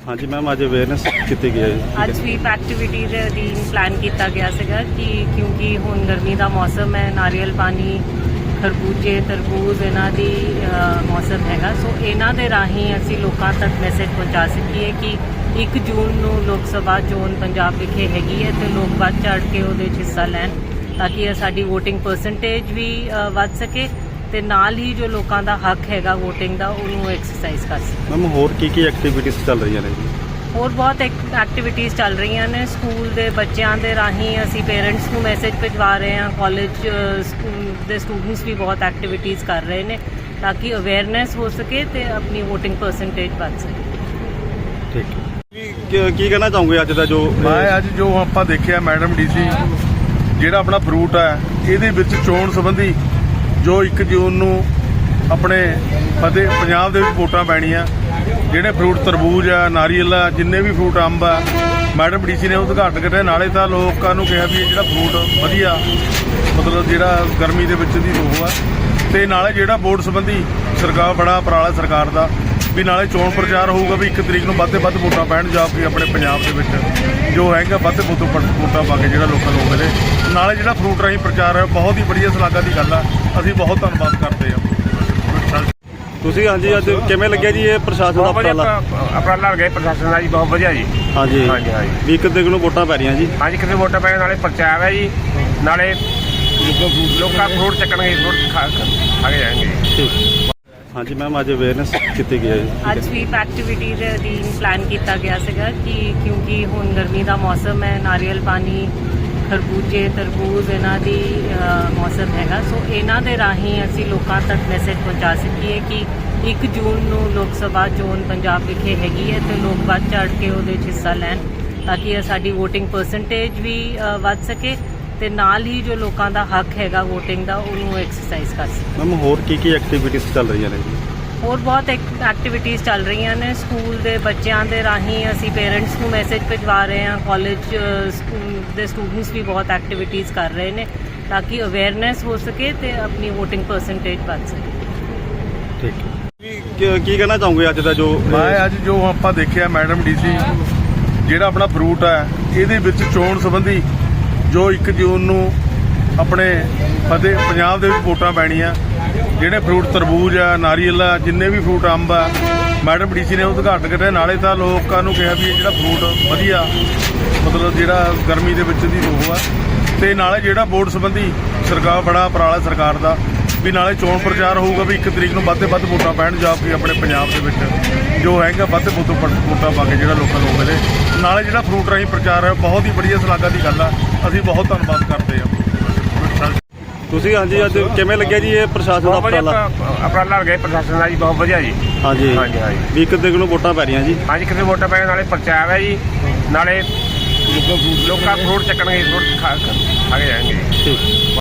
हाँ जी मैम, अज अवेयरनेस की गई है। ਅੱਜ ਸਵੀਪ ਐਕਟੀਵਿਟੀ ਦੇ ਅਧੀਨ ਪਲਾਨ ਕੀਤਾ ਗਿਆ ਸੀਗਾ ਕਿ ਕਿਉਂਕਿ ਹੁਣ ਗਰਮੀ ਦਾ ਮੌਸਮ ਹੈ, ਨਾਰੀਅਲ ਪਾਣੀ, ਖਰਬੂਜੇ, ਤਰਬੂਜ ਇਹਨਾਂ ਦੀ ਮੌਸਮ ਹੈਗਾ। ਸੋ ਇਹਨਾਂ ਦੇ ਰਾਹੀਂ ਅਸੀਂ ਲੋਕਾਂ ਤੱਕ ਮੈਸੇਜ ਪਹੁੰਚਾ ਸਕੀਏ ਕਿ 1 ਜੂਨ ਨੂੰ ਲੋਕ ਸਭਾ ਚੋਣ ਪੰਜਾਬ ਵਿਖੇ ਹੈਗੀ ਹੈ ਤੇ ਲੋਕ ਵੱਧ ਚੜ੍ਹ ਕੇ ਉਹਦੇ 'ਚ ਹਿੱਸਾ ਲੈਣ ਤਾਂ ਕਿ ਸਾਡੀ ਵੋਟਿੰਗ ਪਰਸੈਂਟੇਜ ਵੀ ਵੱਧ ਸਕੇ ਤੇ ਨਾਲ ਹੀ ਜੋ ਲੋਕਾਂ ਦਾ ਹੱਕ ਹੈਗਾ ਵੋਟਿੰਗ ਦਾ ਉਹਨੂੰ ਐਕਸਰਸਾਈਜ਼ ਕਰ ਸਕੇ। ਮੈਮ ਹੋਰ ਕੀ ਐਕਟੀਵਿਟੀਜ਼ ਚੱਲ ਰਹੀਆਂ ਨੇ ਜੀ? ਹੋਰ ਬਹੁਤ ਐਕਟੀਵਿਟੀਜ਼ ਚੱਲ ਰਹੀਆਂ ਨੇ। ਸਕੂਲ ਦੇ ਬੱਚਿਆਂ ਦੇ ਰਾਹੀਂ ਅਸੀਂ ਪੇਰੈਂਟਸ ਨੂੰ ਮੈਸੇਜ ਭਿਜਵਾ ਰਹੇ ਹਾਂ। ਕਾਲਜ ਦੇ ਸਟੂਡੈਂਟਸ ਵੀ ਬਹੁਤ ਐਕਟੀਵਿਟੀਜ਼ ਕਰ ਰਹੇ ਨੇ ਤਾਂ ਕਿ ਅਵੇਅਰਨੈਸ ਹੋ ਸਕੇ ਤੇ ਆਪਣੀ ਵੋਟਿੰਗ ਪਰਸੈਂਟੇਜ ਵੱਧ ਸਕੇ। ਠੀਕ ਕੀ ਕਹਿਣਾ ਚਾਹੋਗੇ ਅੱਜ ਦਾ ਜੋ ਮੈਂ ਅੱਜ ਜੋ ਆਪਾਂ ਦੇਖਿਆ ਮੈਡਮ ਡੀਸੀ ਜਿਹੜਾ ਆਪਣਾ ਫਰੂਟ ਹੈ ਇਹਦੇ ਵਿੱਚ ਚੋਣ ਸੰਬੰਧੀ ਜੋ 1 ਜੂਨ ਨੂੰ ਆਪਣੇ ਪੰਜਾਬ ਦੇ ਵਿੱਚ ਵੋਟਾਂ ਪੈਣੀਆਂ, ਜਿਹੜੇ ਫਰੂਟ ਤਰਬੂਜ ਆ, ਨਾਰੀਅਲ ਆ, ਜਿੰਨੇ ਵੀ ਫਰੂਟ, ਅੰਬ ਆ, ਮੈਡਮ ਡੀਸੀ ਨੇ ਉਦਘਾਟਨ ਕਰਿਆ। ਨਾਲੇ ਤਾਂ ਲੋਕਾਂ ਨੂੰ ਕਿਹਾ ਵੀ ਇਹ ਜਿਹੜਾ ਫਰੂਟ ਵਧੀਆ ਮਤਲਬ ਜਿਹੜਾ ਗਰਮੀ ਦੇ ਵਿੱਚ ਦੀ ਉਹ ਆ, ਤੇ ਨਾਲੇ ਜਿਹੜਾ ਵੋਟ ਸੰਬੰਧੀ ਸਰਕਾਰ ਬੜਾ ਉਪਰਾਲਾ ਸਰਕਾਰ ਦਾ ਵੀ ਨਾਲੇ ਚੋਣ ਪ੍ਰਚਾਰ ਹੋਊਗਾ ਵੀ 1 ਤਰੀਕ ਨੂੰ ਵੱਧ ਤੋਂ ਵੱਧ ਵੋਟਾਂ ਪੈਣ ਜਾ ਕੇ ਆਪਣੇ ਪੰਜਾਬ ਦੇ ਵਿੱਚ ਜੋ ਹੈਗਾ ਵੱਧ ਤੋਂ ਵੱਧ ਵੋਟਾਂ ਪਾ ਕੇ ਜਿਹੜਾ ਲੋਕਾਂ ਨੂੰ ਮਿਲੇ। ਨਾਲੇ ਜਿਹੜਾ ਫਰੂਟ ਰਾਹੀਂ ਪ੍ਰਚਾਰ ਹੈ ਬਹੁਤ ਹੀ ਵਧੀਆ ਸ਼ਲਾਘਾ ਦੀ ਗੱਲ ਆ। ਅਸੀਂ ਬਹੁਤ ਧੰਨਵਾਦ ਕਰਦੇ ਹਾਂ। ਤੁਸੀਂ ਹਾਂਜੀ ਅੱਜ ਕਿਵੇਂ ਲੱਗਿਆ ਜੀ ਇਹ ਪ੍ਰਸ਼ਾਸਨ ਦਾ ਉਪਰਾਲਾ ਲੱਗਿਆ ਪ੍ਰਸ਼ਾਸਨ ਦਾ ਜੀ? ਬਹੁਤ ਵਧੀਆ ਜੀ। ਹਾਂਜੀ ਹਾਂਜੀ ਹਾਂਜੀ ਵੀ 1 ਤਰੀਕ ਨੂੰ ਵੋਟਾਂ ਪੈ ਰਹੀਆਂ ਜੀ। ਹਾਂਜੀ, ਕਿਤੇ ਵੋਟਾਂ ਪੈਣ ਨਾਲੇ ਪ੍ਰਚਾਰ ਹੈ ਜੀ, ਨਾਲੇ ਲੋਕਾਂ ਫਰੂਟ ਚੱਕਣਗੇ, ਫਰੂਟ ਖਾ ਕੇ ਜਾਣਗੇ। ਠੀਕ ਹਾਂਜੀ ਮੈਮ, ਅੱਜ ਅਵੇਅਰਨੈਸ ਕੀਤੀ ਗਈ ਹੈ। ਅੱਜ ਸਵੀਪ ਐਕਟੀਵਿਟੀ ਦੇ ਅਧੀਨ ਪਲਾਨ ਕੀਤਾ ਗਿਆ ਸੀਗਾ ਕਿ ਕਿਉਂਕਿ ਹੁਣ ਗਰਮੀ ਦਾ ਮੌਸਮ ਹੈ, ਨਾਰੀਅਲ ਪਾਣੀ, ਖਰਬੂਜੇ, ਤਰਬੂਜ ਇਹਨਾਂ ਦੀ ਮੌਸਮ ਹੈਗਾ। ਸੋ ਇਹਨਾਂ ਦੇ ਰਾਹੀਂ ਅਸੀਂ ਲੋਕਾਂ ਤੱਕ ਮੈਸੇਜ ਪਹੁੰਚਾ ਸਕੀਏ ਕਿ 1 ਜੂਨ ਨੂੰ ਲੋਕ ਸਭਾ ਚੋਣ ਪੰਜਾਬ ਵਿਖੇ ਹੈਗੀ ਹੈ ਤੇ ਲੋਕ ਵੱਧ ਚੜ੍ਹ ਕੇ ਉਹਦੇ 'ਚ ਹਿੱਸਾ ਲੈਣ ਤਾਂ ਕਿ ਸਾਡੀ ਵੋਟਿੰਗ ਪਰਸੈਂਟੇਜ ਵੀ ਵੱਧ ਸਕੇ ਤੇ ਨਾਲ ਹੀ ਜੋ ਲੋਕਾਂ ਦਾ ਹੱਕ ਹੈਗਾ ਵੋਟਿੰਗ ਦਾ ਉਹਨੂੰ ਐਕਸਰਸਾਈਜ਼ ਕਰ ਸਕੇ। ਮੈਮ ਹੋਰ ਕੀ ਐਕਟੀਵਿਟੀਜ਼ ਚੱਲ ਰਹੀਆਂ ਨੇ ਜੀ? ਹੋਰ ਬਹੁਤ ਐਕਟੀਵਿਟੀਜ਼ ਚੱਲ ਰਹੀਆਂ ਨੇ। ਸਕੂਲ ਦੇ ਬੱਚਿਆਂ ਦੇ ਰਾਹੀਂ ਅਸੀਂ ਪੇਰੈਂਟਸ ਨੂੰ ਮੈਸੇਜ ਭਿਜਵਾ ਰਹੇ ਹਾਂ। ਕਾਲਜ ਦੇ ਸਟੂਡੈਂਟਸ ਵੀ ਬਹੁਤ ਐਕਟੀਵਿਟੀਜ਼ ਕਰ ਰਹੇ ਨੇ ਤਾਂ ਕਿ ਅਵੇਅਰਨੈਸ ਹੋ ਸਕੇ ਤੇ ਆਪਣੀ ਵੋਟਿੰਗ ਪਰਸੈਂਟੇਜ ਵੱਧ ਸਕੇ। ਠੀਕ ਕੀ ਕਹਿਣਾ ਚਾਹੋਗੇ ਅੱਜ ਦਾ ਜੋ ਮੈਂ ਅੱਜ ਜੋ ਆਪਾਂ ਦੇਖਿਆ ਮੈਡਮ ਡੀਸੀ ਜਿਹੜਾ ਆਪਣਾ ਫਰੂਟ ਹੈ ਇਹਦੇ ਵਿੱਚ ਚੋਣ ਸੰਬੰਧੀ ਜੋ 1 ਜੂਨ ਨੂੰ ਆਪਣੇ ਪੰਜਾਬ ਦੇ ਵਿੱਚ ਵੋਟਾਂ ਪੈਣੀਆਂ, ਜਿਹੜੇ ਫਰੂਟ ਤਰਬੂਜ ਆ, ਨਾਰੀਅਲ ਆ, ਜਿੰਨੇ ਵੀ ਫਰੂਟ, ਅੰਬ ਆ, ਮੈਡਮ ਡੀਸੀ ਨੇ ਉਦਘਾਟਨ ਕਰਿਆ। ਨਾਲੇ ਤਾਂ ਲੋਕਾਂ ਨੂੰ ਕਿਹਾ ਵੀ ਇਹ ਜਿਹੜਾ ਫਰੂਟ ਵਧੀਆ ਮਤਲਬ ਜਿਹੜਾ ਗਰਮੀ ਦੇ ਵਿੱਚ ਦੀ ਉਹ ਆ, ਤੇ ਨਾਲੇ ਜਿਹੜਾ ਵੋਟ ਸੰਬੰਧੀ ਸਰਕਾਰ ਬੜਾ ਉਪਰਾਲਾ ਸਰਕਾਰ ਦਾ ਵੀ ਨਾਲੇ ਚੋਣ ਪ੍ਰਚਾਰ ਹੋਊਗਾ ਵੀ 1 ਤਰੀਕ ਨੂੰ ਵੱਧ ਤੋਂ ਵੱਧ ਵੋਟਾਂ ਪੈਣ ਜਾ ਕੇ ਆਪਣੇ ਪੰਜਾਬ ਦੇ ਵਿੱਚ ਜੋ ਹੈਗਾ ਵੱਧ ਤੋਂ ਵੱਧ ਵੋਟਾਂ ਪਾ ਕੇ ਜਿਹੜਾ ਲੋਕਾਂ ਨੂੰ ਮਿਲੇ। ਨਾਲੇ ਜਿਹੜਾ ਫਰੂਟ ਰਾਹੀਂ ਪ੍ਰਚਾਰ ਹੈ ਬਹੁਤ ਹੀ ਵਧੀਆ ਸ਼ਲਾਘਾ ਦੀ ਗੱਲ ਆ। ਅਸੀਂ ਬਹੁਤ ਧੰਨਵਾਦ ਕਰਦੇ ਹਾਂ। ਤੁਸੀਂ ਹਾਂਜੀ ਅੱਜ ਕਿਵੇਂ ਲੱਗਿਆ ਜੀ ਇਹ ਪ੍ਰਸ਼ਾਸਨ ਦਾ ਉਪਰਾਲਾ ਲੱਗਿਆ ਪ੍ਰਸ਼ਾਸਨ ਦਾ ਜੀ? ਬਹੁਤ ਵਧੀਆ ਜੀ। ਹਾਂਜੀ ਹਾਂਜੀ ਹਾਂਜੀ ਵੀ 1 ਤਰੀਕ ਨੂੰ ਵੋਟਾਂ ਪੈ ਰਹੀਆਂ ਜੀ। ਹਾਂਜੀ, ਕਿਤੇ ਵੋਟਾਂ ਪੈਣ ਨਾਲੇ ਪ੍ਰਚਾਰ ਹੈ ਜੀ, ਨਾਲੇ ਲੋਕਾਂ ਫਰੂਟ ਚੱਕਣਗੇ, ਫਰੂਟ ਖਾ ਕੇ ਜਾਣਗੇ। ਠੀਕ